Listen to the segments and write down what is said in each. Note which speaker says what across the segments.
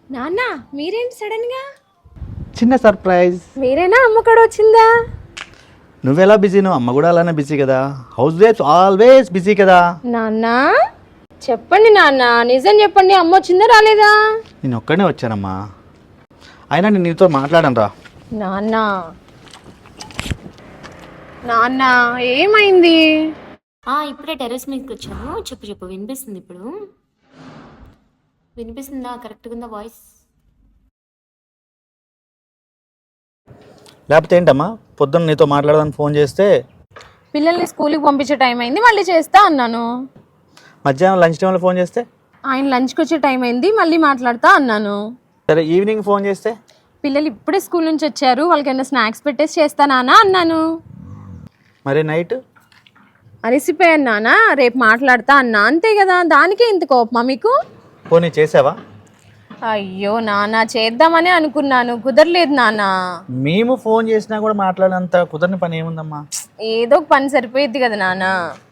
Speaker 1: నాన్న మీరేంటి సడన్ గా?
Speaker 2: చిన్న సర్ప్రైజ్.
Speaker 1: మీరేనా అమ్మ కూడా వచ్చిందా?
Speaker 2: నువ్వెలా బిజీ? నువ్వు అమ్మ కూడా అలానే బిజీ కదా. హౌస్ వైఫ్స్ ఆల్వేస్ బిజీ కదా.
Speaker 1: నాన్న చెప్పండి నాన్న, నిజం చెప్పండి, అమ్మ వచ్చిందా రాలేదా?
Speaker 2: నేను ఒక్కడనే వచ్చానమ్మా. అయినా నేను నీతో మాట్లాడను రా.
Speaker 1: నాన్న నాన్న ఏమైంది?
Speaker 3: ఇప్పుడే టెర్రస్ మీదకి వచ్చాను. చెప్పు వినిపిస్తుంది. ఇప్పుడు వినిపిస్తుందా? కరెక్ట్గా ఉందా వాయిస్?
Speaker 2: లేకపోతే ఏంటమ్మా, పొద్దున్న నీతో మాట్లాడదాన్ని ఫోన్ చేస్తే
Speaker 1: పిల్లల్ని స్కూల్కి పంపించే టైం అయింది, మళ్ళీ చేస్తా అన్నాను.
Speaker 2: మధ్యాహ్నం లంచ్ టైంలో ఫోన్ చేస్తే
Speaker 1: ఆయన లంచ్కి వచ్చే టైం అయింది, మళ్ళీ మాట్లాడతా అన్నాను.
Speaker 2: సరే ఈవినింగ్ ఫోన్ చేస్తే
Speaker 1: పిల్లలు ఇప్పుడే స్కూల్ నుంచి వచ్చారు, వాళ్ళకి ఏమైనా స్నాక్స్ పెట్టేసి చేస్తానా అన్నాను.
Speaker 2: మరి నైట్
Speaker 1: అలసిపోయాను నాన్న, రేపు మాట్లాడతా అన్నా, అంతే కదా. దానికే ఇంత కోపమా మీకు?
Speaker 2: ఫోన్ చేసావా?
Speaker 1: అయ్యో నాన్న, చేద్దామని అనుకున్నాను, కుదరలేదు నాన్న.
Speaker 2: మేము ఫోన్ చేసినా కూడా మాట్లాడినంత కుదరని పని ఏముందమ్మా?
Speaker 1: ఏదో ఒక పని సరిపోయిద్ది కదా నాన్న.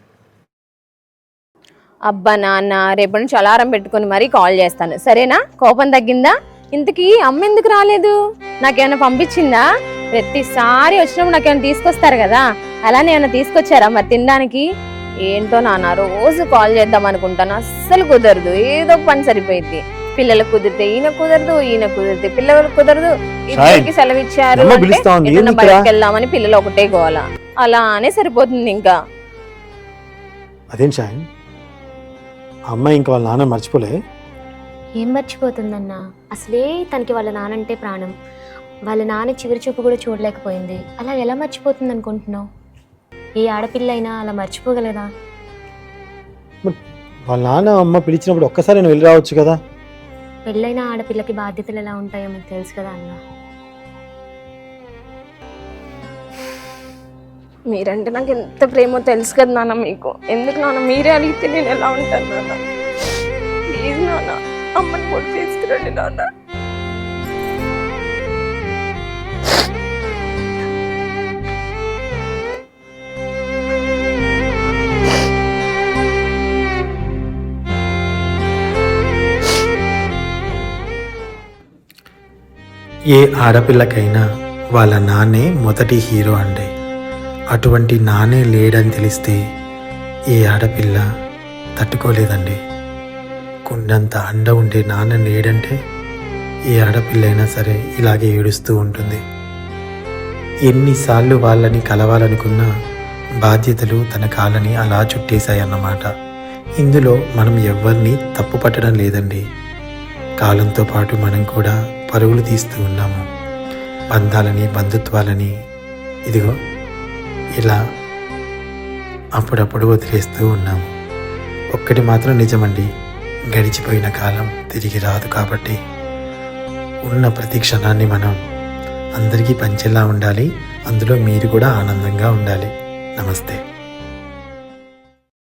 Speaker 1: అబ్బా నాన్న, రేపటి నుంచి అలారం పెట్టుకుని మరీ కాల్ చేస్తాను, సరేనా? కోపం తగ్గిందా? ఇంతకీ అమ్మ ఎందుకు రాలేదు? నాకేమైనా పంపించిందా? ప్రతిసారి వచ్చినప్పుడు నాకేమైనా తీసుకొస్తారు కదా, అలానే ఏమైనా తీసుకొచ్చారా మరి తినడానికి? ఏంటో నాన్న, రోజు కాల్ చేద్దాం అనుకుంటాను, అస్సలు కుదరదు. ఏదో ఒక పని సరిపోయింది. పిల్లలకు కుదిరితే ఈయన కుదరదు, ఈయన కుదిరితే పిల్లలకు కుదరదు. ఇద్దరికి సెలవు ఇచ్చారు బయటకు వెళ్దామని పిల్లలు ఒకటే గోల, అలానే సరిపోతుంది. ఇంకా
Speaker 4: అదేం షాయన్, అమ్మాయి ఇంకా వాళ్ళ నాన్న మర్చిపోలే?
Speaker 3: ఏం మర్చిపోతుందన్నా, అసలే తనకి వాళ్ళ నానంటే ప్రాణం. వాళ్ళ నాన్న చివరి చూపు కూడా చూడలేకపోయింది. అలా ఎలా మర్చిపోతుంది అనుకుంటున్నావు? ఏ ఆడపిల్ల అయినా అలా మర్చిపోగలదా?
Speaker 4: వాళ్ళ నాన్న అమ్మ పిలిచినప్పుడు ఒక్కసారి నేను వెళ్ళి రావచ్చు కదా.
Speaker 3: పెళ్ళైన ఆడపిల్లకి బాధ్యతలు ఎలా ఉంటాయో మీకు తెలుసు కదా అన్న.
Speaker 1: మీరంటే నాకు ఎంత ప్రేమో తెలుసు కదా నాన్న మీకు. ఎందుకు నాన్న మీరే అడిగితే నేను ఎలా ఉంటాను నాన్న? ప్లీజ్ నాన్న, అమ్మని కూడా తీసుకురండి నాన్న.
Speaker 4: ఏ ఆడపిల్లకైనా వాళ్ళ నాన్నే మొదటి హీరో అండి. అటువంటి నాన్నే లేడని తెలిస్తే ఏ ఆడపిల్ల తట్టుకోలేదండి. కుండంత అండ ఉండే నాన్న లేడంటే ఏ ఆడపిల్ల అయినా సరే ఇలాగే ఏడుస్తూ ఉంటుంది. ఎన్నిసార్లు వాళ్ళని కలవాలనుకున్నా బాధ్యతలు తన కాళ్ళని అలా చుట్టేశాయన్నమాట. ఇందులో మనం ఎవరిని తప్పు పట్టడం లేదండి. కాలంతో పాటు మనం కూడా పరుగులు తీస్తూ ఉన్నాము. బంధాలని, బంధుత్వాలని ఇదిగో ఇలా అప్పుడప్పుడు వదిలేస్తూ ఉన్నాము. ఒక్కటి మాత్రం నిజమండి, గడిచిపోయిన కాలం తిరిగి రాదు. కాబట్టి ఉన్న ప్రతి క్షణాన్ని మనం అందరికీ పంచేలా ఉండాలి. అందులో మీరు కూడా ఆనందంగా ఉండాలి. నమస్తే.